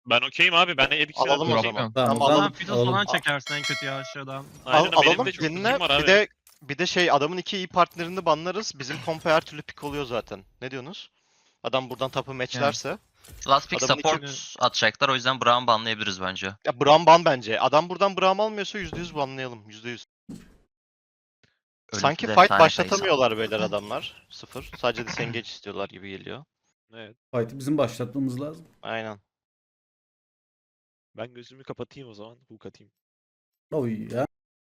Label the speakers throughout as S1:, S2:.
S1: Ben okeyim abi. Ben de Edix'e
S2: Alalım o
S1: okeyim.
S2: zaman.
S3: Tamam,
S2: Tamam,
S3: alalım.
S4: Fiddle falan çekersin en kötü ya aşağıdan.
S1: Aynen, benim
S2: alalım
S1: de çok
S2: birine.
S1: ultim var abi.
S2: Bir de şey adamın iki iyi partnerini banlarız. Bizim kompa her türlü pick oluyor zaten. Ne diyorsunuz? Adam buradan tapı matchlerse.
S5: Last pick
S2: Adamın
S5: support atacaklar, o yüzden Braum banlayabiliriz bence.
S2: Ya Braum ban bence. Adam buradan Braum almıyorsa %100 banlayalım. %100. Sanki
S5: Ölümsüz
S2: fight
S5: efsane
S2: başlatamıyorlar beyler adamlar. Sıfır. Sadece disengage istiyorlar gibi geliyor.
S1: Evet.
S3: Fight'ı bizim başlatmamız lazım.
S2: Aynen.
S1: Ben gözümü kapatayım o zaman. Hook atayım.
S3: Oy ya.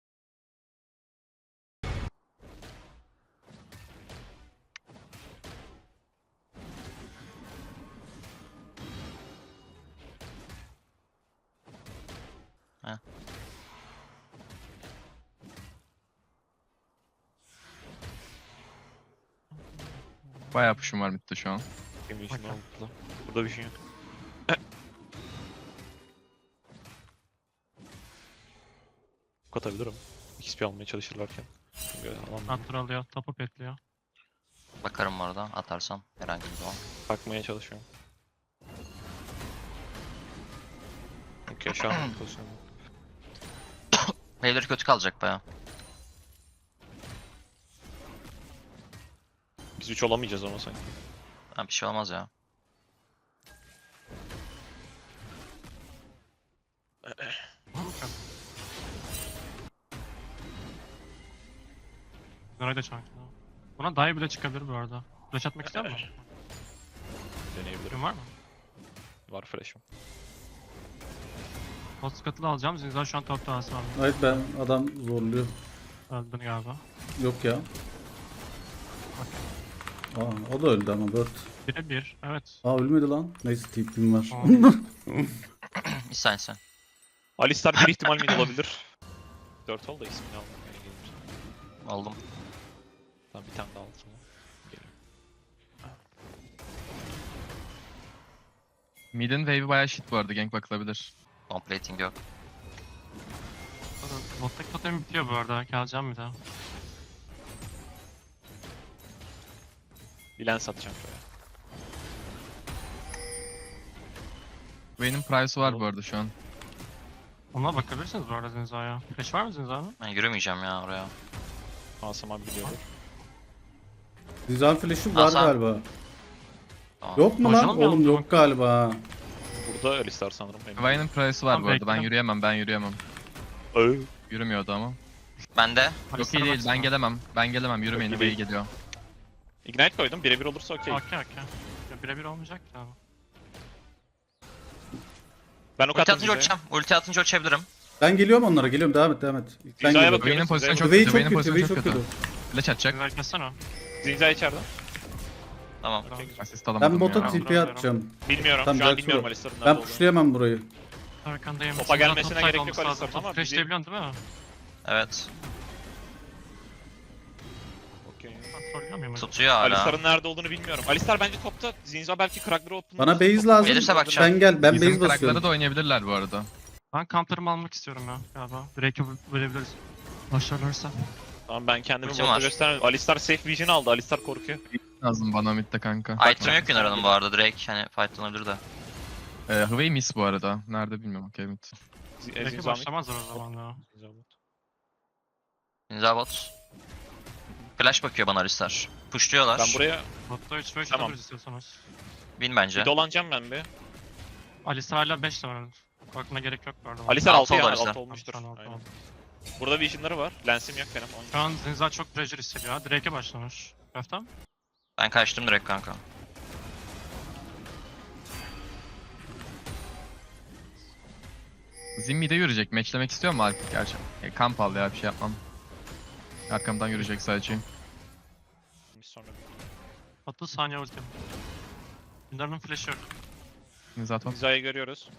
S6: Bayağı push'um var midde şu an.
S1: Benim işim oldu. Burada bir şey yok. Hook atabilirim. XP almaya çalışırlarken. Çünkü alamıyorum.
S4: Hunter alıyor, topu petliyor.
S5: Bakarım orada atarsam herhangi bir zaman.
S1: Bakmaya çalışıyorum. Okey şu an pozisyonum.
S5: Wave'leri kötü kalacak baya.
S1: Biz 3 olamayacağız ama sanki.
S5: Ha, bir şey olmaz ya.
S4: Nereye de çanklı. Buna dive bile çıkabilir bu arada. Flash atmak ister misin?
S1: Deneyebilirim.
S4: Gün var mı?
S1: Var flash'ım.
S4: Post katılı alacağım. Zinzar şu an top tanesi var.
S3: Evet ben adam zorluyor.
S4: Öldün galiba.
S3: Yok ya. Aa, o da öldü ama Bird.
S4: 1'e 1. Evet.
S3: Aa ölmedi lan. Neyse tipim var.
S5: Bir saniye sen.
S1: Alistar bir ihtimal mid olabilir. 4 ol da ismini almamaya gelir.
S5: Aldım.
S1: Tamam bir tane daha aldım. Geliyorum.
S6: Mid'in wave'i bayağı shit bu arada, gank bakılabilir.
S5: Completing yok.
S4: Bottaki totem bitiyor bu arada. Geleceğim bir daha.
S1: Bir lens atacağım şöyle.
S6: Vayne'in price'ı var bu arada şu an.
S4: Ona bakabilirsiniz bu arada Zinza'ya. Flash var mı Zinza'nın?
S5: Ben yürümeyeceğim ya oraya.
S1: Asım abi biliyordur.
S3: Güzel flash'ı var
S5: Hasan.
S3: galiba.
S5: Tamam.
S3: Yok mu lan?
S4: Boşanamıyor
S3: Oğlum
S4: musun?
S3: yok galiba.
S1: Burada Alistar sanırım.
S6: Vayne'in price'ı var
S4: Tamam,
S6: bu arada, ben
S4: bekle.
S6: yürüyemem. Yürümüyordu ama.
S5: Bende.
S6: Yok iyi
S4: Alistar'a
S6: değil,
S4: baksana.
S6: ben gelemem, yürümeyin,
S1: Yok,
S6: Vayne
S1: iyi.
S6: geliyor.
S1: Ignite koydum. Birebir olursa okey.
S4: Okey. Ya birebir olmayacak ki abi.
S1: Ben ok
S5: Ulti
S1: attım
S5: atınca
S1: Zinza'ya.
S5: uçacağım. Ulti atınca uçabilirim.
S3: Ben geliyorum onlara. Geliyorum. Devam et. Sen
S1: Zinza'ya
S3: geliyorum.
S1: bakıyorum.
S6: Vayne'in pozisyonu çok
S3: Vayne
S6: kötü,
S3: çok
S6: Vayne'in
S3: kötü. Vayne
S6: pozisyonu
S3: çok
S6: çok
S3: kötü.
S6: kötü. Flash atacak.
S4: Zinza'yı kessene o.
S1: Zinza içeride.
S5: Tamam.
S6: Asist
S3: Ben
S6: alamadım
S3: bota
S6: ya.
S3: TP atacağım.
S1: Bilmiyorum.
S3: Tamam,
S1: Şu an
S3: Jax
S1: bilmiyorum
S3: vur.
S1: Alistar'ın nerede
S3: Ben
S1: olduğunu.
S3: pushlayamam burayı.
S4: Arkandayım.
S1: Topa
S4: Zinza
S1: gelmesine
S4: top
S1: gerek
S4: side
S1: yok
S4: olması lazım.
S1: Alistar'ın ama
S4: Flash diyebiliyorsun değil mi?
S5: Evet.
S1: Okey.
S4: Trollüyor muyum?
S5: Tutuyor hala.
S1: Alistar'ın nerede olduğunu bilmiyorum. Alistar bence topta. Zinza belki Crackler'ı open.
S3: Bana base lazım.
S5: Gelirse bakacağım.
S3: Sen gel. Ben
S6: Bizim
S3: base
S6: karakları
S3: basıyorum.
S6: da oynayabilirler bu arada.
S4: Ben counter'ımı almak istiyorum ya galiba. Drake'e verebiliriz. Başlarlarsa.
S1: Tamam ben kendimi
S5: Ultim
S1: botta
S5: var.
S1: göstermedim. Alistar safe vision aldı. Alistar korkuyor.
S6: Lazım bana midde kanka.
S5: Item yok Yunar'ın bu arada, direkt hani fightlanabilir de.
S6: Hway miss bu arada. Nerede bilmiyorum, okey mid.
S4: Drake'e
S1: Zinza mid.
S4: başlamazlar o zaman ya.
S1: Zinza bot.
S5: Ninja bot. Flash bakıyor bana Alistar. Pushluyorlar.
S1: Ben buraya
S4: Botta 3 ve 3
S1: Tamam.
S4: atabiliriz istiyorsanız.
S5: Win bence.
S1: bir dolanacağım ben bir.
S4: Alistar hala 5 de var. Bakmana gerek yok bu arada.
S1: Alistar
S5: Altı
S1: 6
S5: oldu
S1: yani
S5: Alistar.
S1: 6 olmuştur.
S4: Tamam, tamam.
S1: Aynen. Burada vision'ları var. Lens'im yok benim.
S4: Şu an Zinza çok pressure hissediyor ha. Drake'e başlamış. Köftem.
S5: Ben kaçtım direkt kanka.
S6: Zim mid'e yürüyecek. Matchlemek istiyor mu Alp? Gerçi kamp al ya, bir şey yapmam. Arkamdan yürüyecek sadece.
S1: Sonra
S4: 30 saniye ultim. Yunar'ın flash'ı yok.
S6: Zaten
S1: Zinza'yı görüyoruz.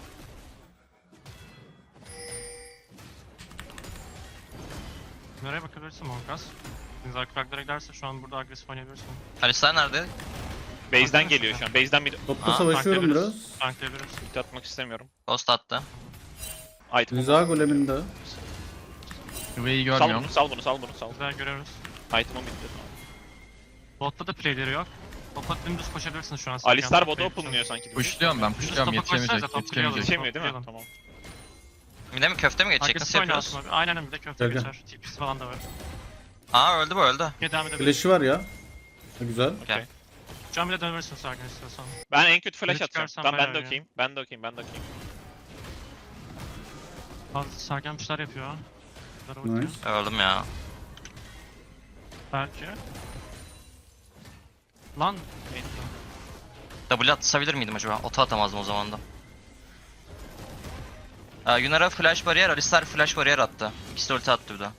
S4: Nereye bakabilirsin Monkas? Zinza Crackler'a giderse şu an burada agresif oynayabilirsin.
S5: Alistar nerede?
S1: Base'den geliyor şu an. Base'den bir
S3: Topta
S5: Aa,
S3: savaşıyorum
S4: tanklayabiliriz.
S3: biraz.
S4: Tanklayabiliriz.
S1: ulti atmak istemiyorum.
S5: Ghost attı.
S1: Item.
S3: Rıza goleminde.
S6: Hway'i
S1: Sal
S6: görmüyorum.
S1: bunu, sal bunu, sal bunu, sal.
S4: Güzel görüyoruz.
S1: Item'ım bitti. Tamam.
S4: Botta da playleri yok. Topa dümdüz koşabilirsin şu an.
S1: Alistar bota open'lıyor sanki.
S6: Pushluyorum ben, pushluyorum. Yetişemeyecek,
S4: top
S6: yetişemeyecek.
S1: Yetişemiyor değil mi? Tamam.
S5: Bir de mi köfte mi geçecek? Nasıl
S4: Agresif
S5: yapıyoruz?
S4: oynarsın abi. Aynen bir de köfte
S3: Gel, gel.
S4: geçer. TP'si falan da var.
S5: Aa öldü bu öldü.
S4: Gel devam edebiliriz.
S3: Flash'ı var ya. Güzel.
S1: Okey.
S4: Şu an bir de dönebilirsin Sergen istiyorsan.
S1: Ben en kötü flash
S4: Biri
S1: atacağım.
S4: çıkarsan
S1: Tamam ben de
S4: bayağı iyi.
S1: okeyim. Ben de okeyim. Ben de okeyim.
S4: Bazı Sergen bir şeyler yapıyor. Bunlara bakıyor.
S3: Nice.
S5: Öldüm ya.
S4: Belki. Lan.
S5: W atabilir miydim acaba? Ota atamazdım o zaman da. Yunara flash bariyer, Alistar flash bariyer attı. İkisi de ulti attı bir de.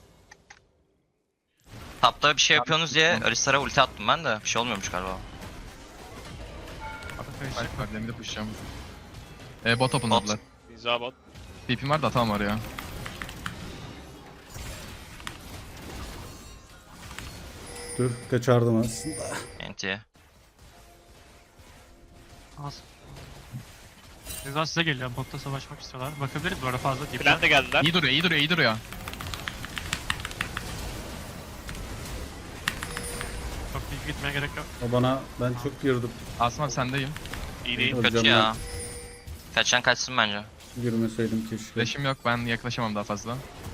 S5: Tapta bir şey yapıyorsunuz diye Alistar'a ulti attım ben de. Bir şey olmuyormuş galiba.
S6: Belki var, bir de pushlayacağım. Bot openladılar.
S1: Zinza bot.
S6: TP'm var da atamam var ya.
S3: Dur kaçardım aslında.
S5: NT'ye.
S4: Az. Ceza size geliyor. Botta savaşmak istiyorlar. Bakabiliriz bu arada fazla değil.
S1: Plan de geldiler.
S6: İyi duruyor, iyi duruyor, iyi duruyor.
S4: Çok büyük gitmeye gerek yok.
S3: O bana ben çok girdim.
S6: Asım abi sendeyim.
S1: İyi değil.
S3: Öleceğim
S5: Kötü ya.
S3: ben.
S5: Kaçan kaçsın bence.
S3: Girmeseydim keşke.
S6: Flash'im yok, ben yaklaşamam daha fazla.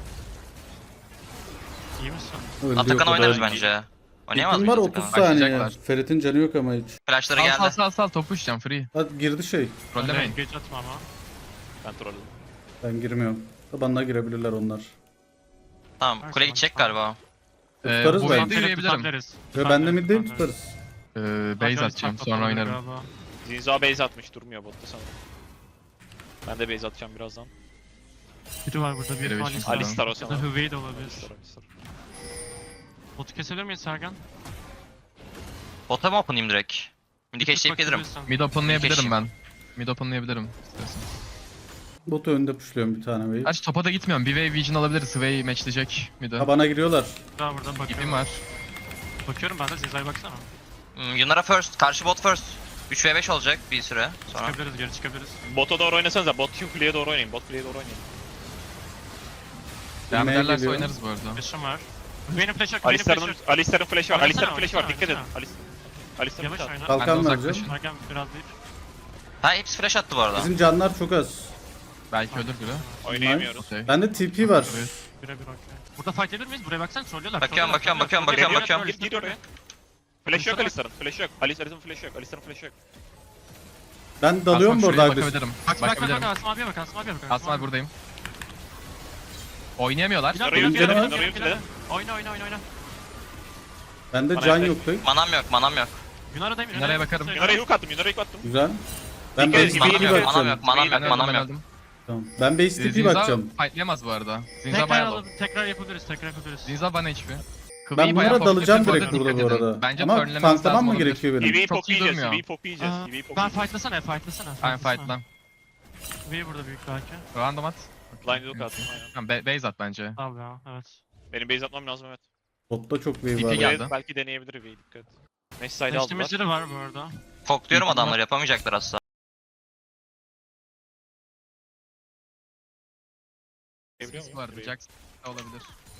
S4: İyi misin?
S3: Öldü
S5: Atakan
S3: yok o da.
S5: oynarız bence. Oynayamaz
S3: Kim var
S5: mıyız
S3: 30
S5: Atakan'ı?
S3: saniye.
S6: Başlayacaklar.
S3: Ferit'in canı yok ama hiç.
S5: Flashları
S6: Sal sal
S5: geldi.
S6: sal sal, top pushlayacağım free.
S3: Hadi girdi şey.
S6: Trollemeyin.
S4: Geç atma ama.
S1: Ben trolledim.
S3: Ben girmiyorum. Tabanına girebilirler onlar.
S5: Tamam
S4: Her
S5: kule
S4: zaman
S5: gidecek
S4: tamam.
S5: galiba.
S3: Tutarız
S6: Bu
S3: bence.
S6: midde yürüyebilirim.
S4: Tutabiliriz.
S3: Ve ben de
S4: Tutabiliriz,
S3: middeyim
S4: tutabiliriz.
S3: tutarız.
S6: Base atacağım, sonra oynarım.
S4: Galiba.
S1: Zinza base atmış. Durmuyor botta sanırım. Ben de base atacağım birazdan.
S4: Biri var burada.
S6: Biri
S4: Bir
S6: beşinci
S4: Alistar.
S1: Alistar o
S4: Ya da
S1: sanırım.
S4: Hüvey de olabilir.
S1: Alistar.
S4: Botu kesebilir miyiz Sergen?
S5: Bota mı openayım direkt? Midi keşleyip gelirim.
S4: Bakabilirsin.
S6: Mid openlayabilirim
S5: Keşke.
S6: ben. Mid openlayabilirim istiyorsan.
S3: Botu önde pushluyorum bir tane wave.
S6: Gerçi topa da gitmiyorum. Bir wave vision alabiliriz. Sway matchleyecek mid'e.
S3: Ha bana giriyorlar.
S4: Daha buradan
S6: İpim
S4: bakıyorum.
S6: var.
S4: Bakıyorum ben de Ziza'ya baksana.
S5: Yunara first. Karşı bot first. 3v5 olacak bir süre sonra.
S4: Çıkabiliriz geri çıkabiliriz.
S1: Bota doğru oynasanıza. Bot kuleye doğru oynayın. Bot kuleye doğru oynayın.
S6: Devam
S3: Bilmeye
S6: ederlerse
S3: geliyor.
S6: oynarız bu arada.
S4: Flash'ım var. Hüvey'nin flash'ı yok. Hüvey'nin flash'ı
S1: Alistar'ın
S4: yok.
S1: Alistar'ın flash'ı var.
S4: Oynasana,
S1: Alistar'ın flash'ı var.
S4: oynasana,
S1: Dikkat edin.
S4: oynasana.
S1: Alistar'ın
S4: Yavaş
S1: flash'ı var.
S4: oyna.
S3: Kalkan
S6: Benden
S3: vereceğim.
S6: uzaklaşın.
S4: Sergen biraz deyip.
S5: Ha hepsi flash attı bu arada.
S3: Bizim canlar çok az.
S6: Belki ölür biri.
S1: Oynayamıyoruz.
S6: Okey.
S3: Bende TP var.
S4: Birebir okey. Burada fight edebilir miyiz? Buraya baksana trollüyorlar.
S5: Bakıyorum,
S4: trollüyorlar,
S5: bakıyorum,
S4: trollüyorlar,
S5: bakıyorum,
S4: trollüyorlar,
S1: Gir
S4: trollüyorlar,
S1: oraya. Flash yok
S4: Alistar'a
S1: Alistar'ın. Flash yok. Alistar'ın flash yok. Alistar'ın flash yok.
S3: Ben dalıyorum
S6: Asım
S3: burada
S6: şuraya
S3: agresif.
S6: bakabilirim.
S4: Bak bak bak
S6: Bakabilirim.
S4: Asım abiye bak Asım abiye bak.
S6: Asım abi buradayım. Oynayamıyorlar.
S4: Bilal,
S1: Orayı
S4: Bilal,
S3: yutledim,
S4: Bilal,
S1: orayı
S4: Bilal,
S1: yutledim.
S4: Oyna oyna oyna oyna.
S3: Bende
S1: Bana
S3: can
S1: yaklaşık.
S3: yok pek.
S5: Manam yok, manam yok.
S4: Yunara'dayım.
S6: Yunara'ya bakarım.
S1: Yunara'yı hook attım. Yunara'yı hook attım.
S3: Güzel. Ben
S1: Dikkat
S3: base
S1: edin,
S5: Manam
S3: TP
S1: iyi
S5: yok,
S1: bir
S5: manam
S3: bakacağım.
S5: yok, manam yok,
S6: Ben
S5: manam
S6: öldüm,
S5: yok.
S6: ben öldüm.
S3: Tamam. Ben base TP
S6: Zinza
S3: bakacağım.
S6: fightlayamaz bu arada. Zinza
S4: Tekrar
S6: bayağı low.
S4: alalım. Tekrar yapabiliriz. Tekrar yapabiliriz.
S6: Zinza bana HP.
S3: Ben
S6: Kıvıyı bayağı
S3: bunlara dalacağım
S6: focus
S3: direkt
S6: yapıyor,
S3: burada bu
S6: dikkat edin.
S3: arada.
S6: Bence
S3: Ama
S6: turnlememiz
S3: tanklamam
S6: lazım
S3: mı
S6: olabilir.
S3: gerekiyor benim?
S1: EV'yi
S6: Çok iyi
S1: poklayacağız.
S6: durmuyor.
S1: EV'yi poklayacağız.
S4: Aa,
S1: EV'yi
S4: Ben
S1: poklayacağız.
S4: fightlasana fightlasana.
S6: Aynen fightlan.
S4: Hüvey burada büyük belki.
S6: Random at.
S1: Blind hook attım. Aynen.
S6: Tamam, base at bence.
S4: Al ya evet.
S1: Benim base atmam lazım evet.
S3: Botta çok wave
S6: TP
S3: var.
S6: geldi.
S1: Base belki deneyebilir EV'yi dikkat. Mesh side aldılar.
S4: Değiştirmecileri var bu arada.
S5: Fokluyorum adamları, yapamayacaklar asla.
S1: Biliyor
S6: Sis
S1: muyum?
S6: vardı. Jax da olabilir.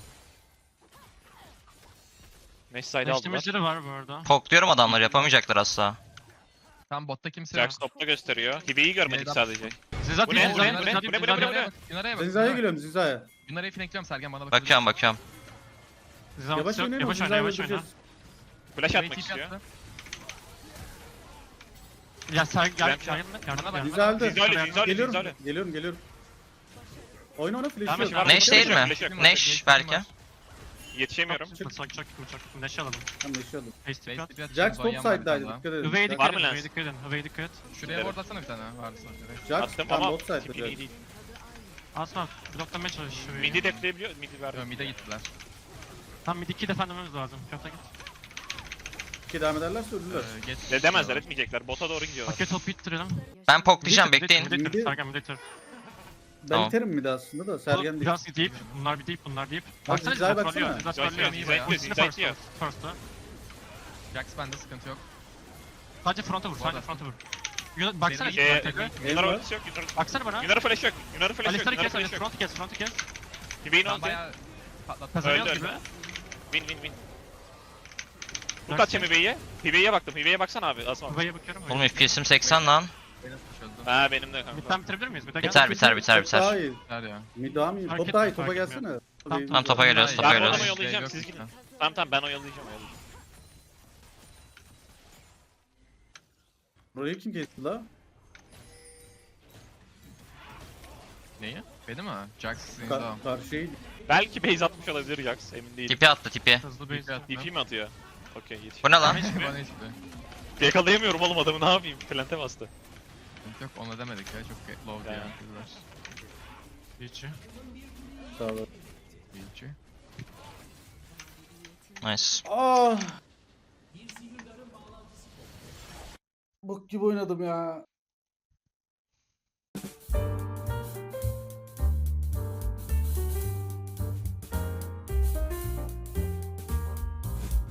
S1: Mesh side aldılar.
S4: Değiştirmecileri var bu arada.
S5: Fokluyorum adamları, yapamayacaklar asla.
S6: Tam botta kimse yok.
S1: Jax topta gösteriyor. Hibe'yi görmedik
S6: Neyden-
S1: sadece.
S4: Ziza
S1: Bu ne,
S4: değil,
S1: bu
S4: Ziza
S1: ne,
S4: değil,
S1: bu ne,
S4: Ziza
S1: bu
S4: değil,
S1: ne, bu
S4: Ziza
S1: ne,
S4: değil.
S1: bu ne?
S6: Yunara'ya bak. Yunara'ya bak.
S3: Zinza'ya geliyorum Zinza'ya.
S6: Yunara'yı flankliyorum Sergen bana bak.
S5: Bakıyorum.
S4: Ziza
S3: Yavaş
S4: yok,
S3: oynayalım.
S4: yavaş oyna
S3: Zinza'yı
S4: yavaş oyna.
S3: öldüreceğiz.
S1: Flash
S6: Sway
S1: atmak
S6: TP
S1: istiyor.
S6: attı.
S4: Ya Sergen
S1: Ramp
S4: yardım et yardım et.
S3: Zinza öldü.
S1: Zinza öyle, Zinza öyle,
S3: Geliyorum.
S1: Zinza öyle.
S3: Geliyorum. Oyna ona
S4: Tamam,
S3: flash yok.
S4: şimdi
S5: Neş değil mi?
S1: Flash yok.
S5: Neş belki.
S1: Yetişemiyorum.
S4: Çok Neşe alalım.
S3: Tamam yaşadım.
S4: Face tip
S6: Base
S4: at.
S6: TP atacağım,
S3: Jax top
S6: Zonya var bir
S3: side'daydı
S6: tane daha.
S3: dikkat edin.
S4: Hüvey'e
S1: Var
S4: dikkat
S1: mı
S4: edin,
S1: lens?
S4: Hüvey'e dikkat edin, Hüvey'e dikkat et.
S6: Şuraya ward atsana bir tane varsa. direkt.
S3: Jax
S1: Attım
S3: tam
S1: ama
S3: bot
S1: tipin
S3: side'da.
S1: iyi değil.
S4: Asma bloklamaya çalış Hüvey'i.
S1: Midi defleyebiliyor. Midi verdi.
S6: Yo, mid'e gittiler.
S4: Tam mid 2 defendememiz lazım. Köfte git.
S3: İki devam ederlerse ölürler.
S6: Geç.
S1: De demezler etmeyecekler. Bota doğru gidiyorlar.
S4: Paket top ittirelim.
S5: Ben poklayacağım, bekleyin.
S3: Midi-
S4: Sergen mid itir.
S3: Ben
S5: Tamam.
S3: iterim mi de aslında da Sergen değil.
S4: Biraz deyip, bunlar deyip. Baksana
S3: Ziza'ya
S4: Ziza
S3: baksana.
S4: trollüyor, Ziza
S1: Ziza
S4: trollüyor.
S1: iyi
S6: bayağı.
S1: bayağı.
S4: Ultisini
S1: Ziza
S4: first'ta.
S1: iyi.
S4: First'ta.
S6: Jax bende sıkıntı yok.
S4: Sadece fronta vur, sadece
S6: Orada.
S4: fronta vur. Baksana
S6: Benim-
S4: git tekrar.
S1: Yunara
S3: var.
S1: ultisi yok.
S4: Baksana bana.
S1: Yunara flash yok. Yunara flash yok.
S4: Alistar'ı
S1: Yunara
S4: kes,
S1: flash yok.
S4: front'u kes.
S1: Hibe'nin
S6: Ben
S1: ulti.
S6: bayağı patlattım.
S4: Kazanıyoruz
S1: Öldü,
S4: gibi.
S1: öldü. Win. Hook atacağım Hibe'ye. Hibe'ye baktım. Hibe'ye baksana abi. Asma.
S4: Kuvaya bakıyorum.
S5: Oğlum FPS'im 80 lan.
S1: Ha benim de kanka.
S4: Midden bitirebilir miyiz? Midden
S5: Biter biter biter
S3: Top daha
S5: biter.
S3: iyi.
S6: Biter ya.
S3: Mid daha mı iyi?
S4: Fark
S3: Top daha iyi.
S4: etmiyor,
S3: Topa
S4: fark
S3: gelsene.
S5: Tamam topa geliyoruz topa
S1: Ben
S5: geliyoruz.
S1: onu yollayacağım,
S6: Yok,
S1: siz
S6: yok.
S1: gidin. Tamam ben oyalayacağım.
S3: Burayı kim kesti la?
S6: Neyi? Beni mi? Jax sizin daha.
S3: Karşıyı
S1: Belki base atmış olabilir Jax. Emin değilim.
S5: Tipi attı tipi.
S4: hızlı base atma.
S1: DP mi atıyor? Okey yetiş.
S5: Bu ne lan?
S6: Bana hiçbir.
S1: Yakalayamıyorum oğlum adamı ne yapayım? Plante bastı.
S6: Yok onu demedik ya çok low diye.
S1: Ya.
S6: kızlar.
S4: Hiç.
S3: sağ ol.
S6: İyici.
S5: Nice.
S3: Ah! Bok gibi oynadım ya.